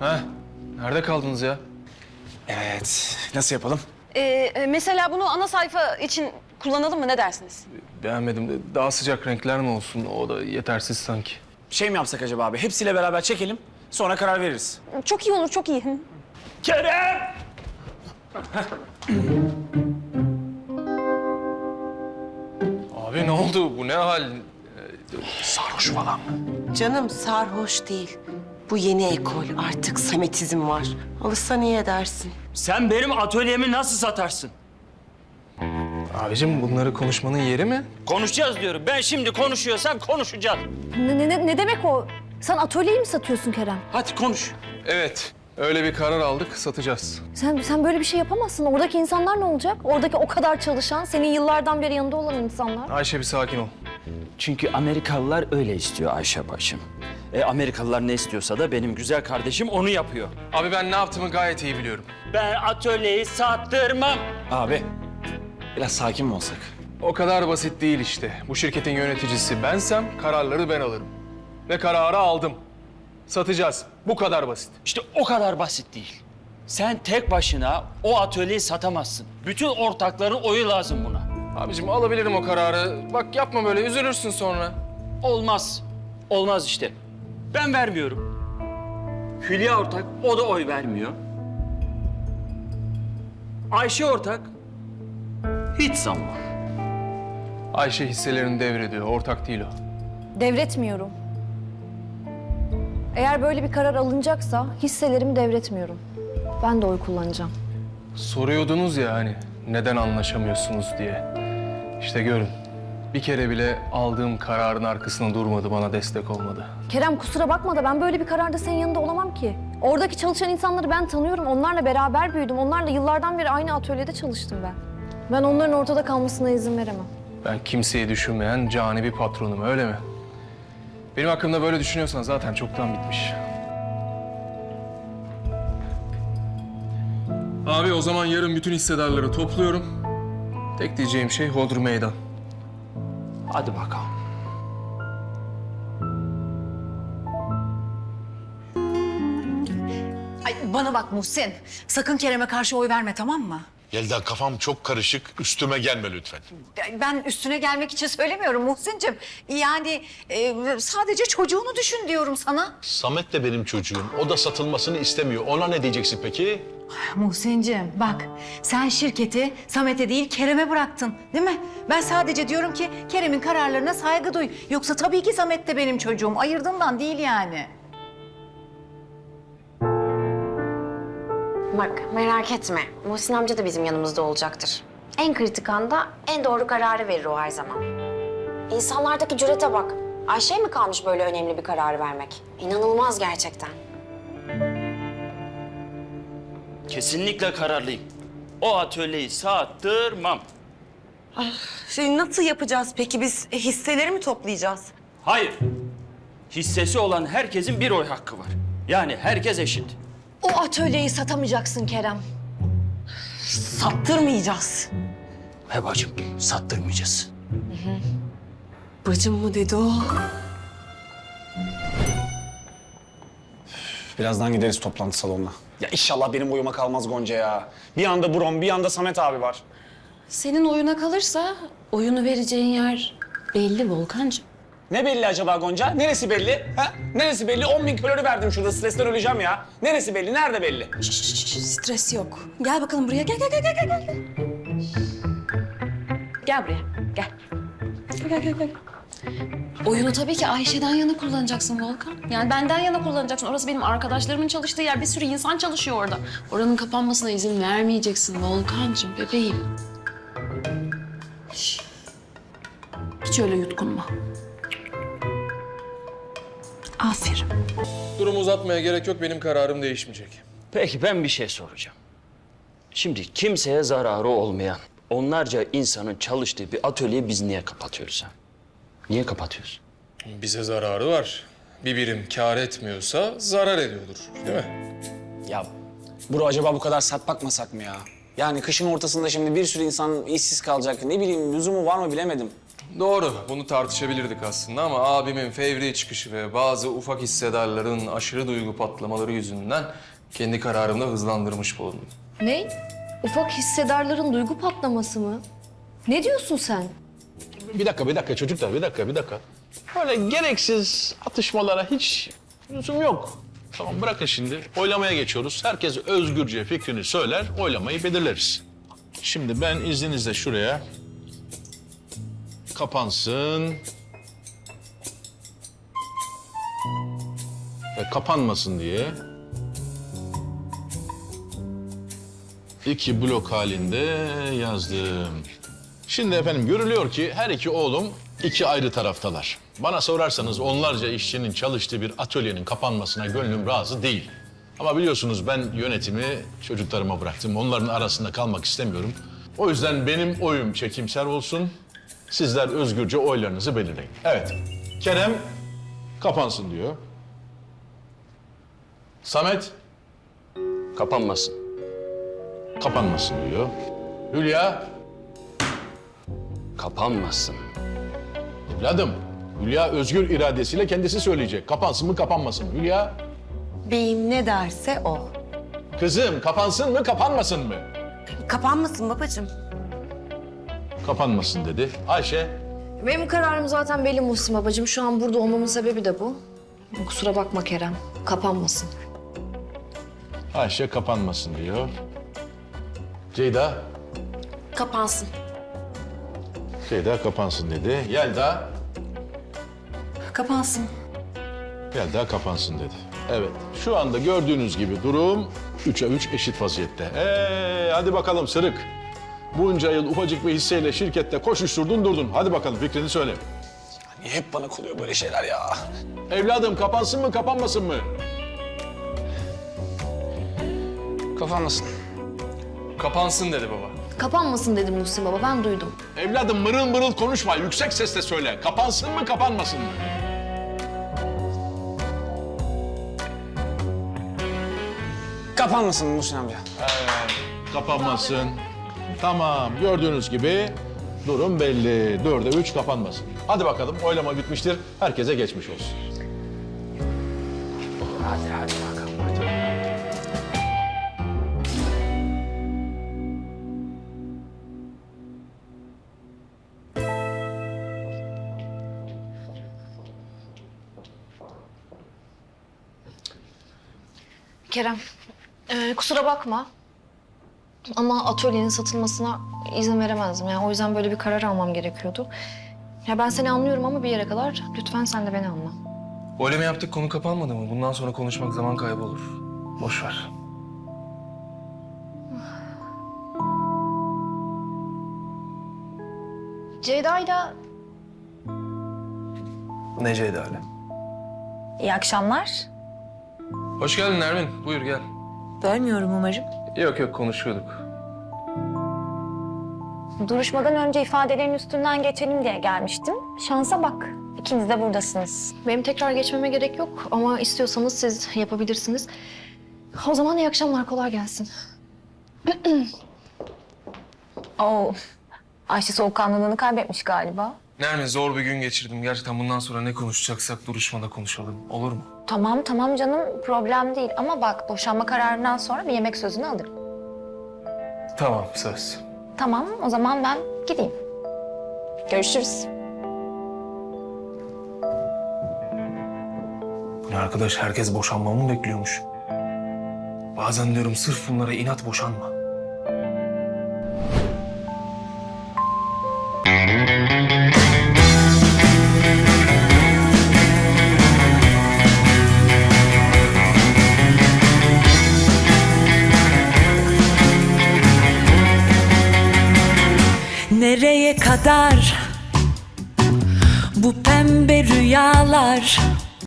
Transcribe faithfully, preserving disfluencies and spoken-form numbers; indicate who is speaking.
Speaker 1: Heh, nerede kaldınız ya?
Speaker 2: Evet. Nasıl yapalım?
Speaker 3: Ee, mesela bunu ana sayfa için kullanalım mı? Ne dersiniz?
Speaker 1: Beğenmedim de daha sıcak renkler mi olsun? O da yetersiz sanki.
Speaker 2: Şey mi yapsak acaba abi? Hepsiyle beraber çekelim. Sonra karar veririz.
Speaker 3: Çok iyi olur, çok iyi. Hı.
Speaker 2: Kerem!
Speaker 1: Abi ne oldu? Bu ne hal?
Speaker 2: Sarhoş falan mı?
Speaker 4: Canım sarhoş değil. Bu yeni ekol. Artık Sametizm var. Alışsan iyi edersin.
Speaker 5: Sen benim atölyemi nasıl satarsın?
Speaker 1: Abicim bunları konuşmanın yeri mi?
Speaker 5: Konuşacağız diyorum. Ben şimdi konuşuyorsam konuşacağız.
Speaker 6: Ne, ne, ne demek o? Sen atölyeyi mi satıyorsun Kerem?
Speaker 5: Hadi konuş.
Speaker 1: Evet. Öyle bir karar aldık, satacağız.
Speaker 6: Sen sen böyle bir şey yapamazsın. Oradaki insanlar ne olacak? Oradaki o kadar çalışan, senin yıllardan beri yanında olan insanlar.
Speaker 1: Ayşe bir sakin ol.
Speaker 5: Çünkü Amerikalılar öyle istiyor Ayşe bacım. E Amerikalılar ne istiyorsa da benim güzel kardeşim onu yapıyor.
Speaker 1: Abi ben ne yaptığımı gayet iyi biliyorum.
Speaker 5: Ben atölyeyi sattırmam.
Speaker 2: Abi, biraz sakin mi olsak?
Speaker 1: O kadar basit değil işte. Bu şirketin yöneticisi bensem kararları ben alırım. Ve kararı aldım. Satacağız. Bu kadar basit.
Speaker 5: İşte o kadar basit değil. Sen tek başına o atölyeyi satamazsın. Bütün ortakların oyu lazım buna.
Speaker 1: Abicim alabilirim o kararı. Bak yapma böyle, üzülürsün sonra.
Speaker 5: Olmaz. Olmaz işte. Ben vermiyorum. Hülya ortak, o da oy vermiyor. Ayşe ortak, hiç sanmam.
Speaker 1: Ayşe hisselerini devrediyor. Ortak değil o.
Speaker 6: Devretmiyorum. Eğer böyle bir karar alınacaksa hisselerimi devretmiyorum. Ben de oy kullanacağım.
Speaker 1: Soruyordunuz ya hani neden anlaşamıyorsunuz diye. İşte görün. Bir kere bile aldığım kararın arkasında durmadı, bana destek olmadı.
Speaker 6: Kerem kusura bakma da ben böyle bir kararda senin yanında olamam ki. Oradaki çalışan insanları ben tanıyorum. Onlarla beraber büyüdüm. Onlarla yıllardan beri aynı atölyede çalıştım ben. Ben onların ortada kalmasına izin veremem.
Speaker 1: Ben kimseyi düşünmeyen cani bir patronum, öyle mi? Benim hakkımda böyle düşünüyorsan zaten çoktan bitmiş. Abi o zaman yarın bütün hissedarları topluyorum. Tek diyeceğim şey hodri meydan.
Speaker 5: Hadi bakalım.
Speaker 7: Ay bana bak Muhsin, sakın Kerem'e karşı oy verme, tamam mı?
Speaker 8: Yelda kafam çok karışık. Üstüme gelme lütfen.
Speaker 7: Ben üstüne gelmek için söylemiyorum Muhsin'cim. Yani e, sadece çocuğunu düşün diyorum sana.
Speaker 8: Samet de benim çocuğum. O da satılmasını istemiyor. Ona ne diyeceksin peki?
Speaker 7: Muhsin'cim bak, sen şirketi Samet'e değil Kerem'e bıraktın, değil mi? Ben sadece diyorum ki Kerem'in kararlarına saygı duy. Yoksa tabii ki Samet de benim çocuğum. Ayırdığımdan değil yani.
Speaker 9: Bak merak etme. Muhsin amca da bizim yanımızda olacaktır. En kritik anda en doğru kararı verir o her zaman. İnsanlardaki cürete bak. Ayşe'ye mi kalmış böyle önemli bir kararı vermek? İnanılmaz gerçekten.
Speaker 5: Kesinlikle kararlıyım. O atölyeyi sattırmam.
Speaker 4: Şey nasıl yapacağız peki? Biz hisseleri mi toplayacağız?
Speaker 5: Hayır. Hissesi olan herkesin bir oy hakkı var. Yani herkes eşit.
Speaker 6: O atölyeyi satamayacaksın Kerem.
Speaker 4: Sattırmayacağız.
Speaker 5: He bacım, sattırmayacağız.
Speaker 4: Bacım mı dedi o?
Speaker 2: Birazdan gideriz toplantı salonuna. Ya inşallah benim oyuma kalmaz Gonca ya. Bir anda Brom, bir anda Samet abi var.
Speaker 10: Senin oyuna kalırsa oyunu vereceğin yer belli Volkancığım.
Speaker 2: Ne belli acaba Gonca? Neresi belli? Ha? Neresi belli? On bin kalori verdim şurada. Stresten öleceğim ya. Neresi belli? Nerede belli?
Speaker 7: Stres yok. Gel bakalım buraya, gel gel gel gel gel. Gel buraya, gel. Gel gel gel.
Speaker 10: Oyunu tabii ki Ayşe'den yana kullanacaksın Volkan. Yani benden yana kullanacaksın. Orası benim arkadaşlarımın çalıştığı yer. Bir sürü insan çalışıyor orada. Oranın kapanmasına izin vermeyeceksin Volkancığım, bebeğim. Şş. Hiç öyle yutkunma.
Speaker 7: Aferin.
Speaker 1: Durumu uzatmaya gerek yok, benim kararım değişmeyecek.
Speaker 5: Peki ben bir şey soracağım. Şimdi kimseye zararı olmayan, onlarca insanın çalıştığı bir atölyeyi biz niye kapatıyoruz ha? Niye kapatıyoruz?
Speaker 1: Bize zararı var. Bir birim kâr etmiyorsa zarar ediyordur, değil mi?
Speaker 2: Ya bro acaba bu kadar sert bakmasak mı ya? Yani kışın ortasında şimdi bir sürü insan işsiz kalacak. Ne bileyim lüzumu var mı bilemedim.
Speaker 1: Doğru, bunu tartışabilirdik aslında ama abimin fevri çıkışı ve bazı ufak hissedarların aşırı duygu patlamaları yüzünden kendi kararımda hızlandırmış bulundum.
Speaker 6: Ne? Ufak hissedarların duygu patlaması mı? Ne diyorsun sen?
Speaker 8: Bir dakika, bir dakika çocuklar, bir dakika, bir dakika. Böyle gereksiz atışmalara hiç lüzum yok. Tamam, bırakın şimdi. Oylamaya geçiyoruz. Herkes özgürce fikrini söyler, oylamayı belirleriz. Şimdi ben izninizle şuraya kapansın ve kapanmasın diye iki blok halinde yazdım. Şimdi efendim görülüyor ki her iki oğlum iki ayrı taraftalar. Bana sorarsanız onlarca işçinin çalıştığı bir atölyenin kapanmasına gönlüm razı değil. Ama biliyorsunuz ben yönetimi çocuklarıma bıraktım. Onların arasında kalmak istemiyorum. O yüzden benim oyum çekimser olsun. Sizler özgürce oylarınızı belirleyin. Evet, Kerem kapansın diyor. Samet
Speaker 5: Kapanmasın.
Speaker 8: kapanmasın diyor. Hülya,
Speaker 5: Kapanmasın.
Speaker 8: evladım. Hülya özgür iradesiyle kendisi söyleyecek. Kapansın mı kapanmasın mı? Hülya,
Speaker 4: Beyim ne derse o.
Speaker 8: kızım kapansın mı kapanmasın mı?
Speaker 4: Kapanmasın babacığım.
Speaker 8: Kapanmasın dedi. Ayşe,
Speaker 6: Benim kararım zaten belli Muhsin babacığım. Şu an burada olmamın sebebi de bu. Kusura bakma Kerem. Kapanmasın.
Speaker 8: Ayşe kapanmasın diyor. Ceyda,
Speaker 9: Kapansın.
Speaker 8: Ceyda kapansın dedi. Yelda,
Speaker 7: Kapansın.
Speaker 8: Yelda kapansın dedi. Evet, şu anda gördüğünüz gibi durum üçe üç eşit vaziyette. Ee, hadi bakalım Sırık. Bunca yıl ufacık bir hisseyle şirkette koşuşturdun durdun. Hadi bakalım fikrini söyle.
Speaker 2: Niye hep bana oluyor böyle şeyler ya?
Speaker 8: Evladım kapansın mı kapanmasın mı?
Speaker 2: Kapanmasın.
Speaker 1: Kapansın dedi baba.
Speaker 6: Kapanmasın dedim Muhsin baba. Ben duydum.
Speaker 8: Evladım mırıl mırıl konuşma. Yüksek sesle söyle. Kapansın mı kapanmasın mı?
Speaker 2: Kapanmasın Muhsin amca.
Speaker 8: Kapanmasın. Tamam, gördüğünüz gibi durum belli. Dörde üç kapanmasın. Hadi bakalım, oylama bitmiştir. Herkese geçmiş olsun.
Speaker 5: Hadi hadi bakalım.
Speaker 6: Kerem, e, kusura bakma. Ama atölyenin satılmasına izin veremezdim. Yani o yüzden böyle bir karar almam gerekiyordu. Ya ben seni anlıyorum ama bir yere kadar lütfen sen de beni anla.
Speaker 1: Öyle mi yaptık, konu kapanmadı mı? Bundan sonra konuşmak zaman kaybı olur. Boş ver.
Speaker 6: Ceyda'yla
Speaker 1: Ne Ceyda'yla?
Speaker 7: İyi akşamlar.
Speaker 1: Hoş geldin Nermin. Buyur gel.
Speaker 7: Bölmüyorum umarım.
Speaker 1: Yok yok konuşuyorduk.
Speaker 9: Duruşmadan önce ifadelerin üstünden geçelim diye gelmiştim. Şansa bak. İkiniz de buradasınız.
Speaker 6: benim tekrar geçmeme gerek yok ama istiyorsanız siz yapabilirsiniz. O zaman iyi akşamlar, kolay gelsin.
Speaker 9: Oo. Ayşe soğukkanlılığını kaybetmiş galiba.
Speaker 1: Nermin zor bir gün geçirdim. Gerçekten bundan sonra ne konuşacaksak duruşmada konuşalım. Olur mu?
Speaker 9: Tamam tamam canım, problem değil. Ama bak, boşanma kararından sonra bir yemek sözünü alırım.
Speaker 1: Tamam söz.
Speaker 9: Tamam, o zaman ben gideyim. Görüşürüz.
Speaker 1: Bu ne arkadaş, herkes boşanmamı mı bekliyormuş? Bazen diyorum sırf bunlara inat boşanma.
Speaker 11: Nereye kadar bu pembe rüyalar?